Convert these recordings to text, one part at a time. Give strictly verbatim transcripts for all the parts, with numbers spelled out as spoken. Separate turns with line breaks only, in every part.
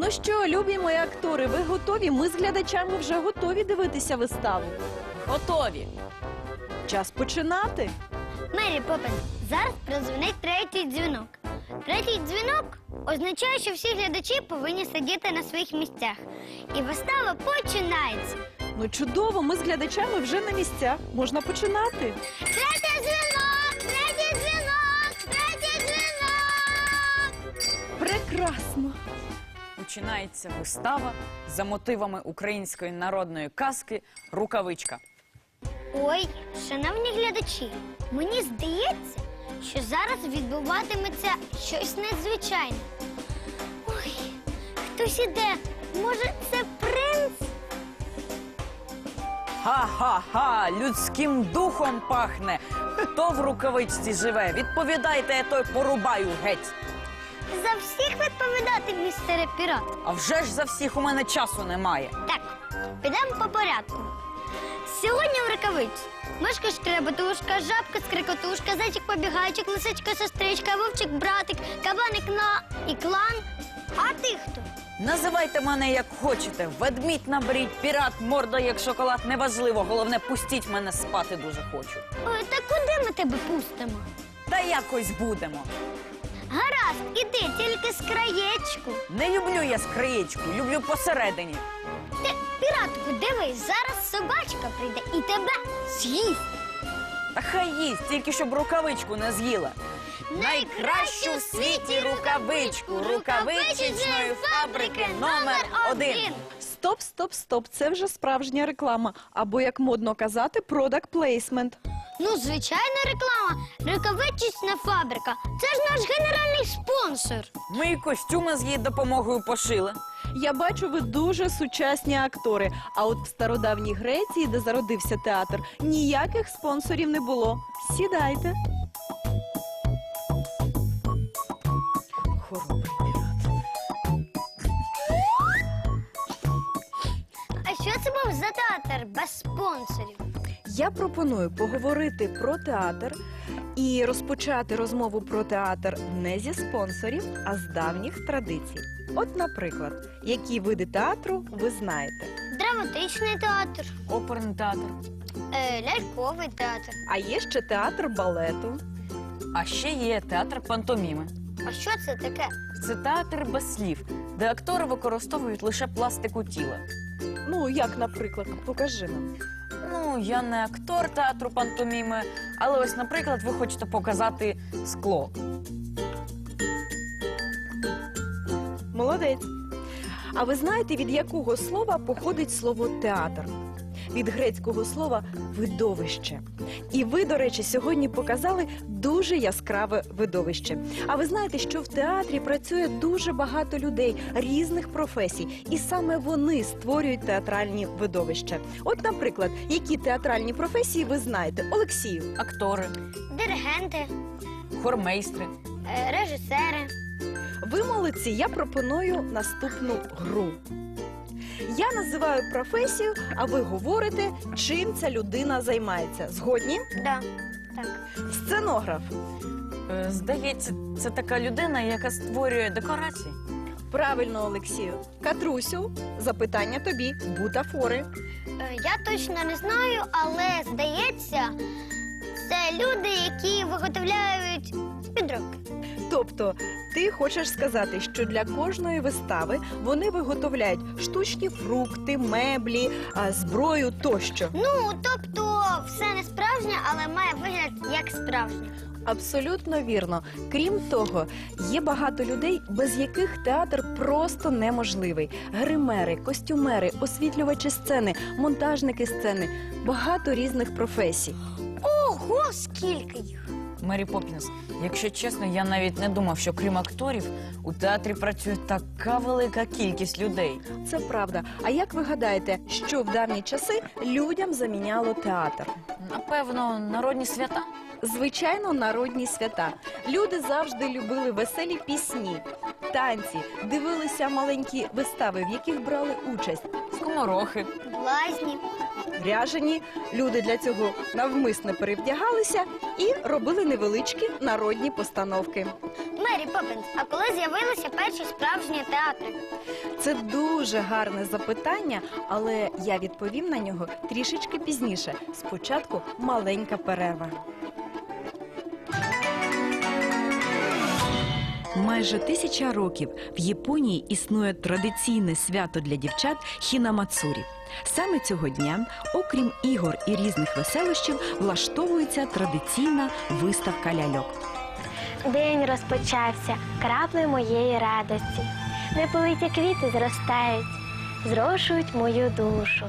Ну що, любі мої актори, ви готові? Ми з глядачами вже готові дивитися виставу.
Готові.
Час починати.
Мері Поппінс, зараз прозвонить третій дзвінок. Третій дзвінок означає, що всі глядачі повинні сидіти на своїх місцях. І вистава починається.
Ну чудово, ми з глядачами вже на місцях. Можна починати.
Третій дзвінок! Третій дзвінок! Третій дзвінок!
Прекрасно.
Починається вистава за мотивами української народної казки «Рукавичка».
Ой, шановні глядачі, мені здається, що зараз відбуватиметься щось надзвичайне. Ой, хтось іде. Може, це принц?
Ха-ха-ха, людським духом пахне. Хто в рукавичці живе? Відповідайте, я той порубаю геть.
За всіх відповідати, містере пірат.
А вже ж за всіх у мене часу немає.
Так, підемо по порядку. Сьогодні в рукавиці мишка шкребетушка, жабка скрикотушка, зайчик побігайчик, лисичка сестричка, вовчик братик, кабаник на і клан. А ти хто?
Називайте мене як хочете. Ведмідь наберіть, пірат, морда як шоколад, неважливо. Головне, пустіть мене спати дуже хочу.
Ой, та куди ми тебе пустимо?
Та якось будемо.
Гаразд, іди, тільки з краєчку.
Не люблю я скриєчку, люблю посередині.
Ти, піратку, дивись, зараз собачка прийде і тебе з'їсть.
Та хай їсть, тільки щоб рукавичку не з'їла. Найкращу в світі рукавичку, рукавичечної фабрики номер один.
Стоп, стоп, стоп. Це вже справжня реклама. Або, як модно казати, product placement.
Ну, звичайна реклама. Рукавичечна фабрика. Це ж наш генеральний спонсор.
Ми і костюми з її допомогою пошили.
Я бачу, ви дуже сучасні актори. А от в стародавній Греції, де зародився театр, ніяких спонсорів не було. Сідайте. Хоробрий пірат.
А що це був за театр без спонсорів?
Я пропоную поговорити про театр і розпочати розмову про театр не зі спонсорів, а з давніх традицій. От, наприклад, які види театру ви знаєте?
Драматичний театр,
Оперний театр.
е, ляльковий театр.
А є ще театр балету.
А ще є театр пантоміми.
А що це таке?
Це театр без слів, де актори використовують лише пластику тіла.
Ну, як, наприклад, покажи нам.
Ну, я не актор театру пантоміми, але ось, наприклад, ви хочете показати скло.
Молодець. А ви знаєте, від якого слова походить слово театр? Від грецького слова видовище. І ви, до речі, сьогодні показали дуже яскраве видовище. А ви знаєте, що в театрі працює дуже багато людей різних професій, і саме вони створюють театральні видовища. От, наприклад, які театральні професії ви знаєте? Олексію.
Актори,
Диригенти,
хормейстри.
е, режисери.
Ви молодці, я пропоную наступну гру. Я називаю професію, а ви говорите, чим ця людина займається. Згодні?
Да. Так.
Сценограф.
Е, Здається, це така людина, яка створює декорації.
Правильно, Олексію. Катрусю, запитання тобі. Бутафори.
Е, я точно не знаю, але здається, це люди, які виготовляють підробки.
Тобто, ти хочеш сказати, що для кожної вистави вони виготовляють штучні фрукти, меблі, а, зброю тощо.
Ну, тобто, все не справжнє, але має вигляд як справжнє.
Абсолютно вірно. Крім того, є багато людей, без яких театр просто неможливий. Гримери, костюмери, освітлювачі сцени, монтажники сцени. Багато різних професій.
Ого, скільки їх!
Мері Поппінс, якщо чесно, я навіть не думав, що крім акторів у театрі працює така велика кількість людей.
Це правда. А як ви гадаєте, що в давні часи людям заміняло театр?
Напевно, народні свята.
Звичайно, народні свята. Люди завжди любили веселі пісні, танці, дивилися маленькі вистави, в яких брали участь.
Скоморохи.
Блазні.
Ряжені люди для цього навмисно перевдягалися і робили невеличкі народні постановки.
Мері Поппінс, а коли з'явилися перші справжні театри?
Це дуже гарне запитання, але я відповім на нього трішечки пізніше. Спочатку маленька перерва. Майже тисяча років в Японії існує традиційне свято для дівчат хінамацурі. Саме цього дня, окрім ігор і різних веселощів, влаштовується традиційна виставка ляльок.
День розпочався, краплею моєї радості. Неполиті квіти зростають, зрошують мою душу.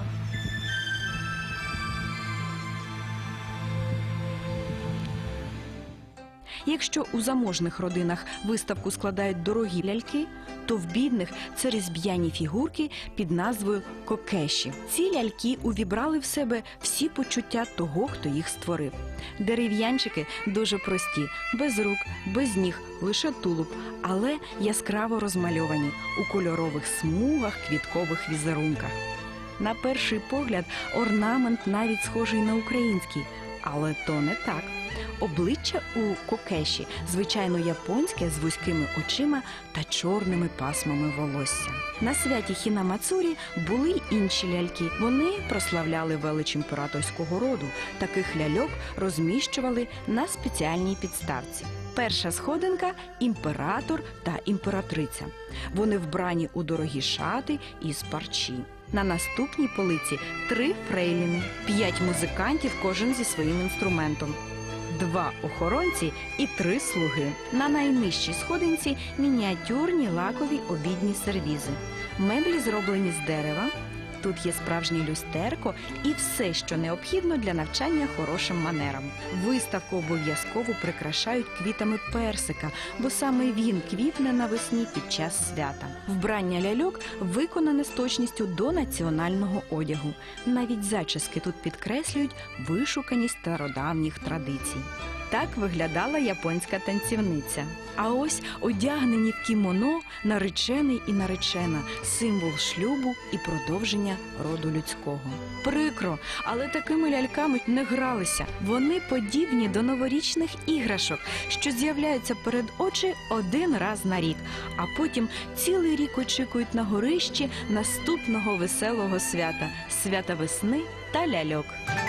Якщо у заможних родинах виставку складають дорогі ляльки, то в бідних це різьб'яні фігурки під назвою кокеші. Ці ляльки увібрали в себе всі почуття того, хто їх створив. Дерев'янчики дуже прості, без рук, без ніг, лише тулуб, але яскраво розмальовані у кольорових смугах, квіткових візерунках. На перший погляд орнамент навіть схожий на український, але то не так. Обличчя у кокеші, звичайно, японське з вузькими очима та чорними пасмами волосся. На святі хінамацурі були й інші ляльки. Вони прославляли велич імператорського роду. Таких ляльок розміщували на спеціальній підставці. Перша сходинка – імператор та імператриця. Вони вбрані у дорогі шати із парчі. На наступній полиці – три фрейліни, п'ять музикантів, кожен зі своїм інструментом. Два охоронці і три слуги. На найнижчій сходинці мініатюрні лакові обідні сервізи. Меблі зроблені з дерева. Тут є справжнє люстерко і все, що необхідно для навчання хорошим манерам. Виставку обов'язково прикрашають квітами персика, бо саме він квітне навесні під час свята. Вбрання ляльок виконане з точністю до національного одягу. Навіть зачіски тут підкреслюють вишуканість стародавніх традицій. Так виглядала японська танцівниця. А ось одягнені в кімоно наречений і наречена – символ шлюбу і продовження роду людського. Прикро, але такими ляльками не гралися. Вони подібні до новорічних іграшок, що з'являються перед очі один раз на рік, а потім цілий рік очікують на горищі наступного веселого свята – свята весни та ляльок.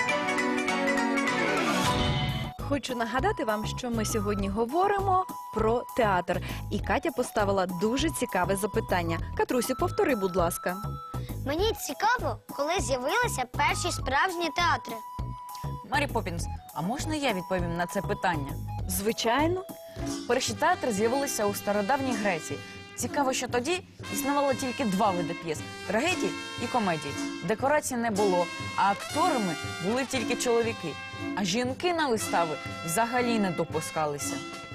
Хочу нагадати вам, що ми сьогодні говоримо про театр. І Катя поставила дуже цікаве запитання. Катрусю, повтори, будь ласка.
Мені цікаво, коли з'явилися перші справжні театри.
Мері Поппінс, а можна я відповім на це питання?
Звичайно.
Перші театри з'явилися у стародавній Греції. Цікаво, що тоді існувало тільки два види п'єс – трагедії і комедії. Декорацій не було, а акторами були тільки чоловіки. А жінки на вистави взагалі не допускалися.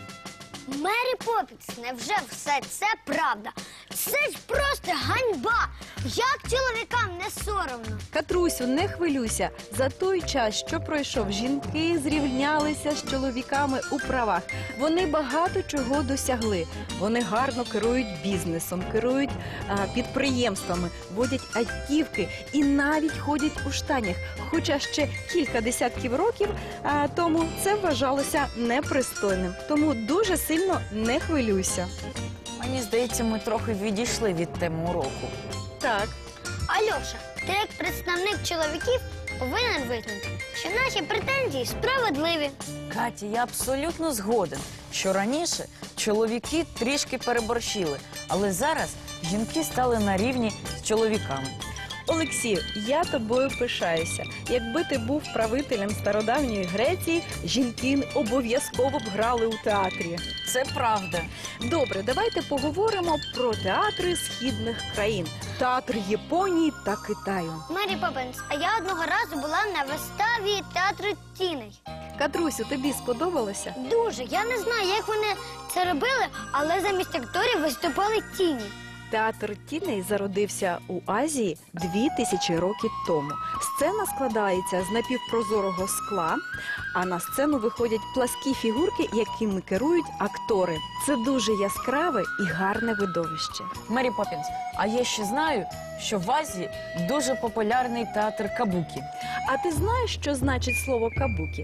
Мері Поппінс, невже все це правда? Це ж просто ганьба! Як чоловікам не соромно?
Катрусю, не хвилюйся. За той час, що пройшов, жінки зрівнялися з чоловіками у правах. Вони багато чого досягли. Вони гарно керують бізнесом, керують а, підприємствами, водять автівки і навіть ходять у штанях. Хоча ще кілька десятків років а, тому це вважалося непристойним. Тому дуже сильно не хвилюйся.
Мені здається, ми трохи відійшли від теми уроку.
Так.
Альоша, ти як представник чоловіків повинен визнати, що наші претензії справедливі.
Катя, я абсолютно згоден, що раніше чоловіки трішки переборщили, але зараз жінки стали на рівні з чоловіками.
Олексію, я тобою пишаюся. Якби ти був правителем стародавньої Греції, жінки обов'язково б грали у театрі.
Це правда.
Добре, давайте поговоримо про театри східних країн. Театр Японії та Китаю.
Мері Поппінс, а я одного разу була на виставі театру тіней.
Катрусю, тобі сподобалося?
Дуже. Я не знаю, як вони це робили, але замість акторів виступали тіні.
Театр тіней зародився у Азії дві тисячі років тому. Сцена складається з напівпрозорого скла, а на сцену виходять пласкі фігурки, якими керують актори. Це дуже яскраве і гарне видовище.
Мері Поппінс, а я ще знаю, що в Азії дуже популярний театр кабукі.
А ти знаєш, що значить слово кабукі?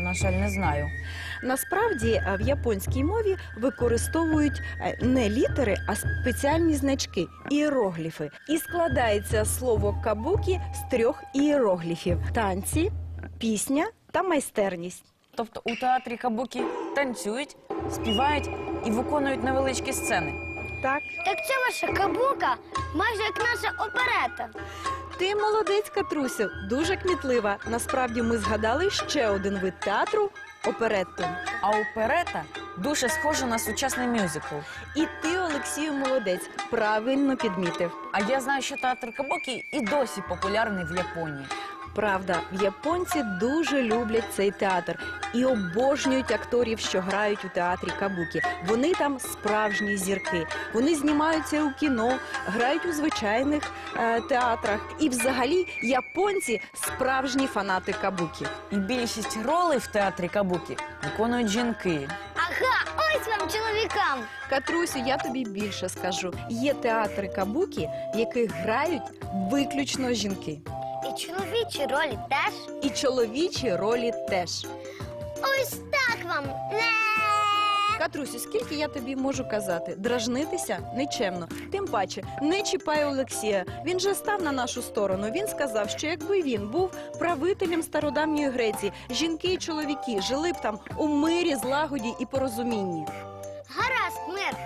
на жаль, не знаю.
Насправді е, в японській мові використовують е, не літери, а спеціальні значки іерогліфи. І складається слово кабукі з трьох іерогліфів: танці, пісня та майстерність.
Тобто у театрі кабукі танцюють, співають і виконують невеличкі сцени.
Так,
Так це ваша кабука, майже як наша оперета.
ти молодець, Катрусю, дуже кмітлива. Насправді ми згадали ще один вид театру – оперетту.
А оперета дуже схожа на сучасний мюзикл.
І ти, Олексію, молодець, правильно підмітив.
А я знаю, що театр кабукі і досі популярний в Японії.
Правда, японці дуже люблять цей театр і обожнюють акторів, що грають у театрі кабукі. Вони там справжні зірки. Вони знімаються у кіно, грають у звичайних е, театрах. І взагалі японці справжні фанати кабукі.
І більшість ролей в театрі кабукі виконують жінки.
Ага, ось вам чоловікам.
Катрусю, я тобі більше скажу. Є театри кабукі, в яких грають виключно жінки.
І чоловічі ролі теж.
І чоловічі ролі теж.
Ось так вам. Не.
Катрусю, скільки я тобі можу казати? Дражнитися нечемно. Тим паче, не чіпай Олексія. Він же став на нашу сторону. Він сказав, що якби він був правителем стародавньої Греції, жінки і чоловіки жили б там у мирі, злагоді і порозумінні.
Гаразд, мир.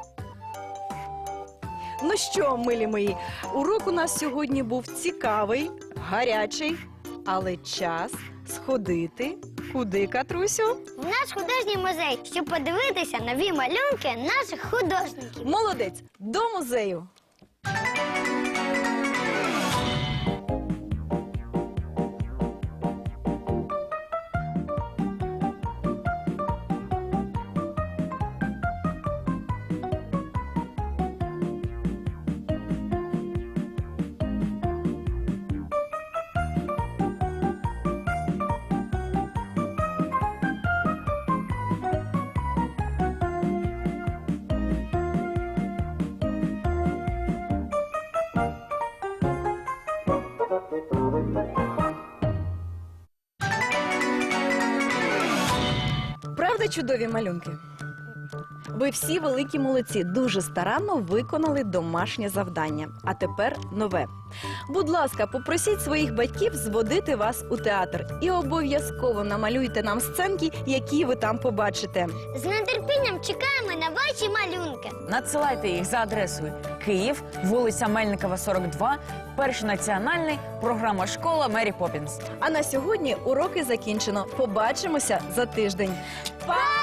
Ну що, милі мої, урок у нас сьогодні був цікавий, гарячий, але час сходити. Куди, Катрусю?
В наш художній музей, щоб подивитися нові малюнки наших художників.
Молодець, до музею! Правда, чудові малюнки? Ви всі великі молодці, дуже старанно виконали домашнє завдання. А тепер нове. Будь ласка, попросіть своїх батьків зводити вас у театр. І обов'язково намалюйте нам сценки, які ви там побачите.
З нетерпінням чекаємо на ваші малюнки.
Надсилайте їх за адресою Київ, вулиця Мельникова, сорок два, Перший національний, програма «Школа Мері Поппінс».
А на сьогодні уроки закінчено. Побачимося за тиждень. Па!